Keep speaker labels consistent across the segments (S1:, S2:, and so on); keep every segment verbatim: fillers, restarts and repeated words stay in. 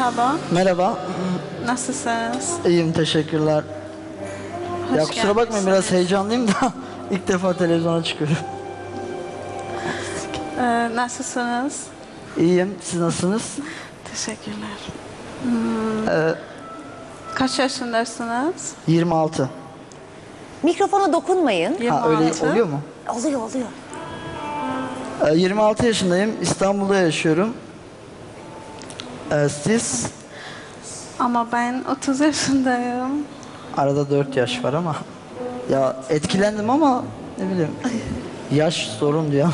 S1: Merhaba,
S2: Merhaba.
S1: nasılsınız?
S2: İyiyim, teşekkürler.
S1: Hoş
S2: ya kusura bakmayın, biraz heyecanlıyım da ilk defa televizyona çıkıyorum.
S1: Ee, nasılsınız?
S2: İyiyim, siz nasılsınız?
S1: Teşekkürler. Hmm,
S2: Ee,
S1: kaç yaşındasınız?
S2: yirmi altı.
S3: Mikrofona dokunmayın.
S2: Ha, öyle
S1: yirmi altı.
S2: oluyor mu?
S3: Oluyor oluyor.
S2: Ee, yirmi altı yaşındayım, İstanbul'da yaşıyorum. Ee, siz?
S1: Ama ben otuz yaşındayım.
S2: Arada dört yaş var ama. Ya etkilendim ama ne bileyim. Yaş sorun diyor.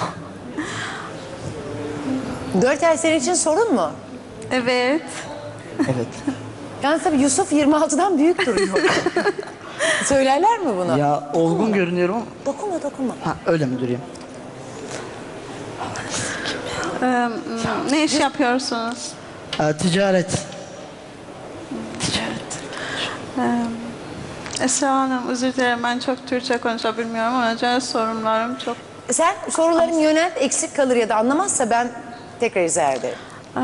S3: Dört ay senin için sorun mu?
S1: Evet.
S2: Evet.
S3: Yani tabii Yusuf yirmi altıdan büyük duruyor. Söylerler mi bunu?
S2: Ya olgun görünüyorum ama.
S3: Dokunma dokunma.
S2: Ha, öyle mi durayım?
S1: Ee, ne iş yapıyorsunuz?
S2: Ee, ticaret.
S1: Ticaret. Ee, Esra Hanım, özür dilerim, ben çok Türkçe konuşabilmiyorum. O yüzden sorunlarım çok...
S3: Sen soruların yönelt, eksik kalır ya da anlamazsa ben tekrar izah ederim.
S1: Ee,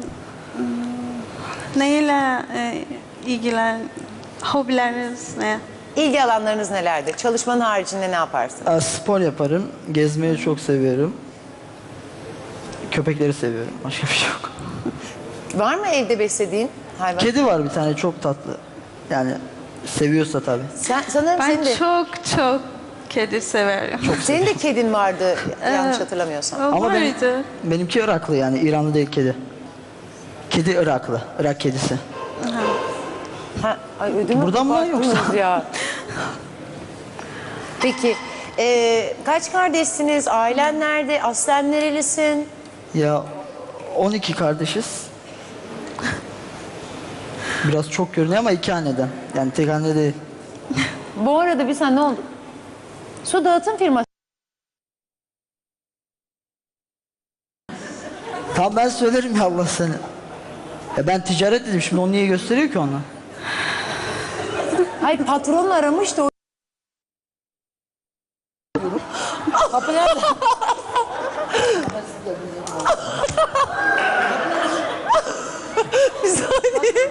S1: neyle e, ilgilen... Hobileriniz ne?
S3: İlgi alanlarınız nelerdir? Çalışmanın haricinde ne yaparsın?
S2: Ee, spor yaparım, gezmeyi çok seviyorum. Köpekleri seviyorum, başka bir şey yok.
S3: Var mı evde beslediğin hayvan?
S2: Kedi var bir tane, çok tatlı. Yani seviyorsa tabii.
S3: Sen, sanırım
S1: Ben
S3: senin de,
S1: çok çok kedi severim.
S3: senin de kedin vardı yanlış hatırlamıyorsam.
S1: O
S2: Ama benim,
S1: vardı.
S2: benimki Iraklı, yani İranlı değil kedi. Kedi Iraklı, Irak kedisi.
S3: Ha, ay ödümü
S2: Buradan mı
S3: koparttınız
S2: yoksa?
S3: ya. Peki, e, kaç kardeşsiniz? Ailen nerede? Aslen nerelisin?
S2: Ya on iki kardeşiz. Biraz çok görünüyor ama iki anneden. Yani tek anne değil.
S3: Bu arada bir sen ne oldu? Su dağıtım firması.
S2: Tamam, ben söylerim ya, Allah seni. Ya ben ticaret dedim, şimdi onu niye gösteriyor ki ona?
S3: Hayır, patronla aramış da o...
S2: Kapı nerede?
S3: Bir saniye.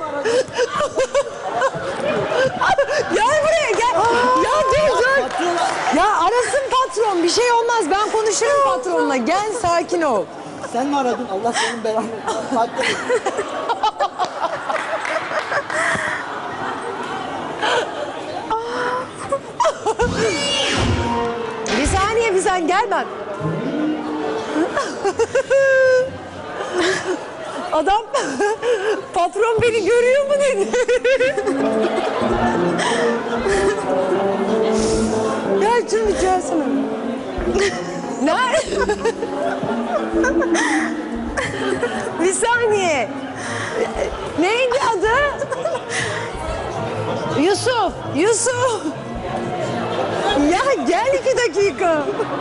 S3: Gel buraya gel. Ya dur dur. Ya arasın patron, bir şey olmaz, ben konuşurum patronla. Gel, sakin ol.
S2: Sen mi aradın? Allah senin belanı.
S3: Bir saniye, bir sen gel bak. Adam patron beni görüyor mu dedi. Gel şunu bir çağırsana. Nerede? Bir saniye. Neydi adı? Yusuf, Yusuf. Ya gel iki dakika.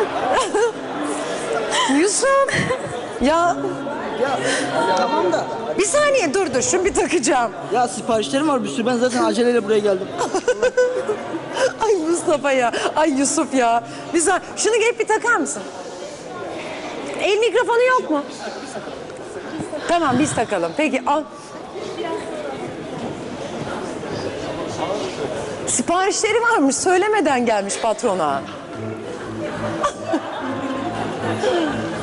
S3: Yusuf. Ya
S2: Tamam da.
S3: bir saniye dur dur, şunu bir takacağım.
S2: Ya siparişlerim var bir sürü. Ben zaten aceleyle buraya geldim.
S3: Ay Mustafa ya, ay Yusuf ya. Bir saniye, şunu gelip bir takar mısın? El mikrofonu yok mu? Tamam, biz takalım. Peki al. Siparişleri varmış, söylemeden gelmiş patrona.